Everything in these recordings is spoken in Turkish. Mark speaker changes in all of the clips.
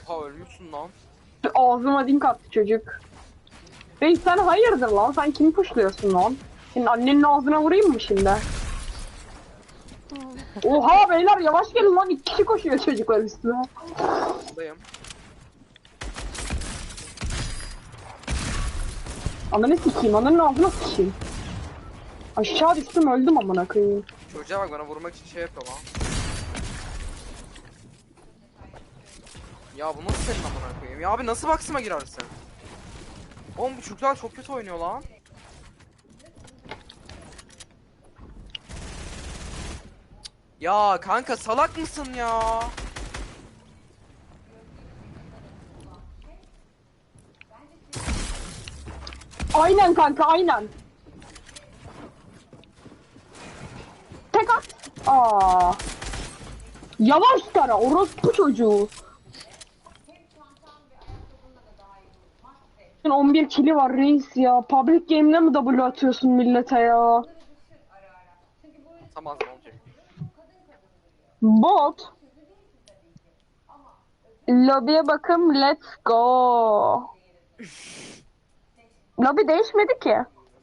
Speaker 1: Oha ölmüşsün lan.
Speaker 2: Ağzıma dink attı çocuk. Reis sen hayırdır lan? Sen kimi puşluyorsun lan? Senin annenin ağzına vurayım mı şimdi? Oha beyler yavaş gelin lan, 2 kişi koşuyor çocuklar üstüne.
Speaker 1: Buradayım.
Speaker 2: Ananı sikeyim, ananın ağzına sikeyim. Aşağı düştüm, öldüm amına koyayım.
Speaker 1: Çocuğa bak, bana vurmak için şey yapıyor lan. Ya bu nasıl senin amına koyayım? Ya abi nasıl baksıma girersin? Oğlum bu çocuklar çok kötü oynuyor lan. Ya kanka salak mısın ya?
Speaker 2: Aynen kanka, aynen. Tek at. Aa. Yavaş tara, orospu çocuğu. 11 kili var reis ya. Public game'le mi W atıyorsun millete ya?
Speaker 1: Tamam ne olacak?
Speaker 2: Bot. Lobby'ye bakım, let's go. Lobby değişmedi ki.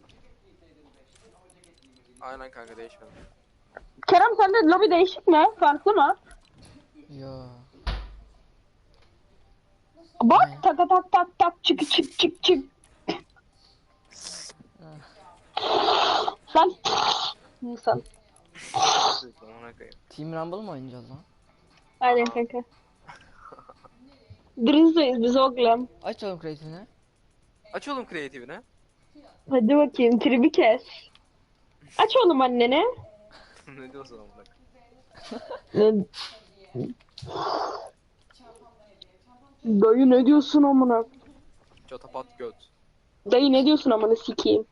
Speaker 1: Aynen kanka değişmedi.
Speaker 2: Kerem sende lobby değişik mi? Farklı mı?
Speaker 3: Yo.
Speaker 2: Bak tak tak tak tak tak çık çık çık çık. Sen insan.
Speaker 1: Amına koyayım.
Speaker 3: Team Rumble mı oynayacağız lan?
Speaker 2: Aynen kanka. Drizzle'yiz biz oğlum.
Speaker 3: Aç oğlum kreatifini.
Speaker 1: Aç oğlum kreatifini.
Speaker 2: Hadi bakayım tribi kes. Aç oğlum annene.
Speaker 1: Ne diyorsun amına
Speaker 2: Ne? Dayı ne diyorsun amına?
Speaker 1: Çatapat göt.
Speaker 2: Dayı ne diyorsun amına sikeyim.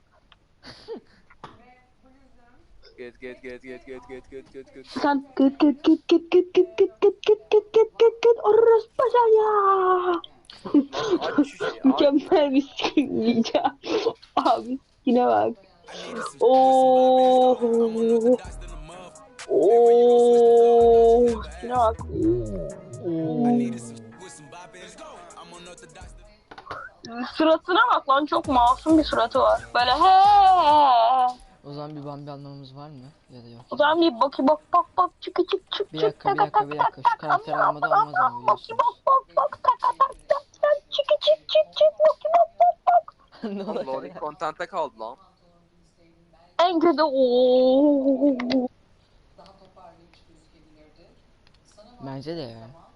Speaker 1: Get get get get get get get get get.
Speaker 2: Sen gıt gıt gıt gıt gıt gıt gıt gıt gıt gıt gıt gıt gıt orospu ya.
Speaker 1: Aç şu şeyi.
Speaker 2: Mükemmel bir skin yiyeceğim. Abi yine bak. Oo. Oo. Yine bak. Suratına bak lan, çok masum bir suratı var. Böyle he.
Speaker 3: O zaman bir Bambi anlamamız var mı? Ya da yok.
Speaker 2: O zaman bir bak bak bak bak çık çık çık
Speaker 3: Bir
Speaker 2: çık
Speaker 3: dakika, bir dakika, bir dakika. Şu karakter almadan olmaz ama biliyorsun.
Speaker 2: bak tak tak tak tak çık çık çık çık bak.
Speaker 3: Ne
Speaker 1: Oğlum
Speaker 3: oluyor
Speaker 1: loading
Speaker 3: ya?
Speaker 1: content'te kaldı lan.
Speaker 2: En kötü ooo.
Speaker 3: Bence de ya.